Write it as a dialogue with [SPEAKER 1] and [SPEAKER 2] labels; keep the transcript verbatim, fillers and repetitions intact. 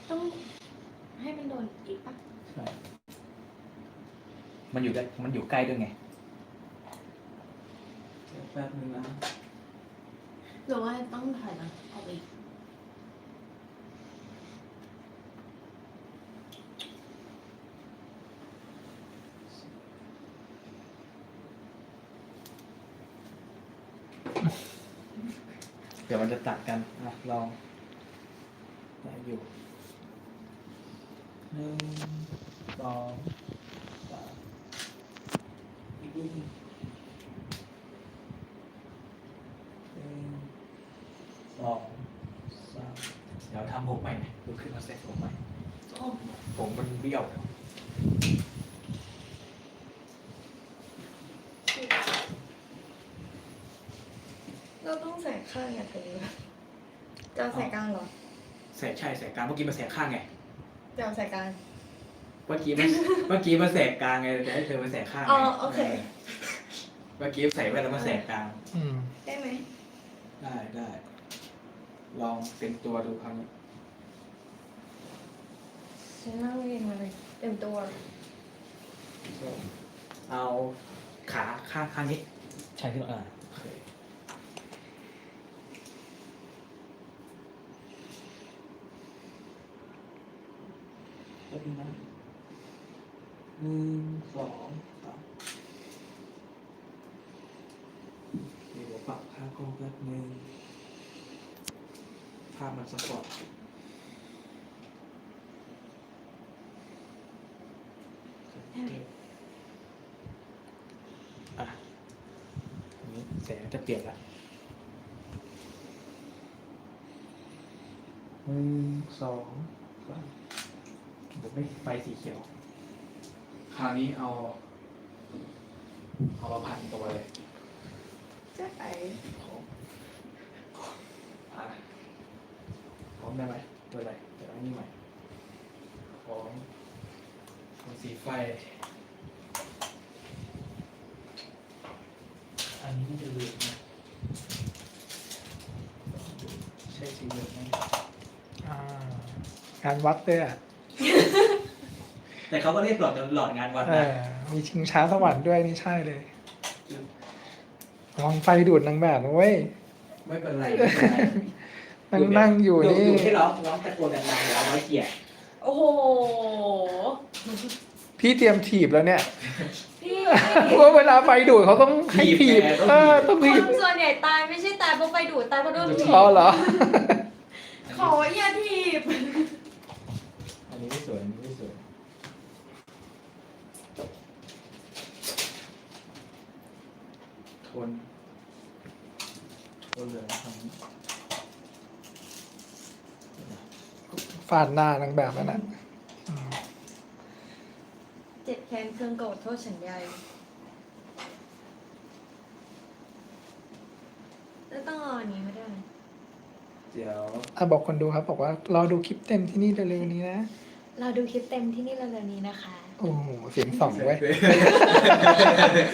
[SPEAKER 1] ต้องให้มันโดนอีกปะ
[SPEAKER 2] ใช่มันอยู่ได้มันอยู่ใกล้ด้วยไง
[SPEAKER 3] แป๊บนึงนะ
[SPEAKER 1] หรือว่าต้องถอยหลังออกอีก
[SPEAKER 2] เดี๋ยวมันจะตัดกันอ่ะลองได้อยู่หนึ่งสองสามอีกนิดนึงหนึ่งสองสามเดี๋ยวทำผมใหม่ลุกขึ้นมาเซ็ตผมใหม่
[SPEAKER 1] โอ้
[SPEAKER 2] ผมมันเบี้ยว
[SPEAKER 1] เราต้องใส่ข้างอย่างนี้ปะจะเอาใส่กลางเหรอ
[SPEAKER 2] แสกใช่แสกกลางเมื่อกี้มาแสกข้างไง
[SPEAKER 1] จะเอาใส่กลาง
[SPEAKER 2] เมื่อกี้มัน เมื่อกี้มาแสกกลางไงแต่ให้เธอมาแสกข้างไง
[SPEAKER 1] อ๋อโอเค
[SPEAKER 2] เมื่อกี้ใส่แว่นแล้วมาแสกกลาง
[SPEAKER 4] อืม
[SPEAKER 1] ได้ไหม
[SPEAKER 2] ได้ได้ ลองเป็นตัวดูครั้งนี้
[SPEAKER 1] ฉันนั่งเรียนมาเลยเต็มตัว
[SPEAKER 2] เอาขาข้างข้างนี้ ใช่ที่เราอ่าโอเคก็ดีนะหนึ่งสองสามเดี๋ยวปรับค่ากล้องแป๊บนึงภาพมันสปอร์ตอ่ะอันนี้แสงจะเปลี่ยนละหนึ่งสองสามผมไม่ไฟสีเขียว คราวนี้เอา เอามาพันตัวเลย
[SPEAKER 1] จะไป
[SPEAKER 2] ของอ่ะของได้ไหมตัวอะไรเดี๋ยวเอานี่ใหม่ของของสีไฟ อันนี้น่าจะเหลืองนะใช่สีเหลืองไหม
[SPEAKER 4] อ่าการวัดด้วยอ่ะ
[SPEAKER 2] แต่เขาก็เรียกหลอดหลอดงานวัด
[SPEAKER 4] เอ
[SPEAKER 2] นะ
[SPEAKER 4] อมีชิงช้าสวรรค์ด้วยนี่ใช่เลยระวังไฟดูดนางแบบนะเว้ย
[SPEAKER 2] ไม่เป็นไรไม่เป็นไร
[SPEAKER 4] นั่งนั่งอยู่นี่
[SPEAKER 2] อยู่ให้ร้องร้องตะโกนดังๆเดี๋ยวเอาไว้เกลียด
[SPEAKER 1] โอ้โห
[SPEAKER 4] พี่เตรียมถีบแล้วเนี่ย
[SPEAKER 1] พี่
[SPEAKER 4] เพราะว่าเวลาไฟดูดเขาต้องให้ถีบเออต้อง
[SPEAKER 1] ค
[SPEAKER 4] ถีบ
[SPEAKER 1] นส่วนใหญ่ตายไม่ใช่ตายเพราะไฟดูดตายเพราะโดนถีบ
[SPEAKER 4] อ๋อเหรอ
[SPEAKER 1] ขออย่าถีบ
[SPEAKER 2] อันนี้ไม่สวยอันนี้ไม่สวยทนทนเหลืองทำนี้
[SPEAKER 4] ฟาดหน้านางแบบนั่นน่ะอืม
[SPEAKER 1] เจ็บแค้นเครื่องโกรธโทษฉันใหญ่แล้วต้องเอาอันนี้ไม่ได้ไหม
[SPEAKER 2] เดี๋ยว
[SPEAKER 4] อ่ะบอกคนดูครับบอกว่ารอดูคลิปเต็มที่นี่เร็วๆนี้นะ
[SPEAKER 1] เราดูคลิปเต็มที่นี่เร็วๆนี้นะคะ
[SPEAKER 4] โอ้โหเสียงสองเว้ย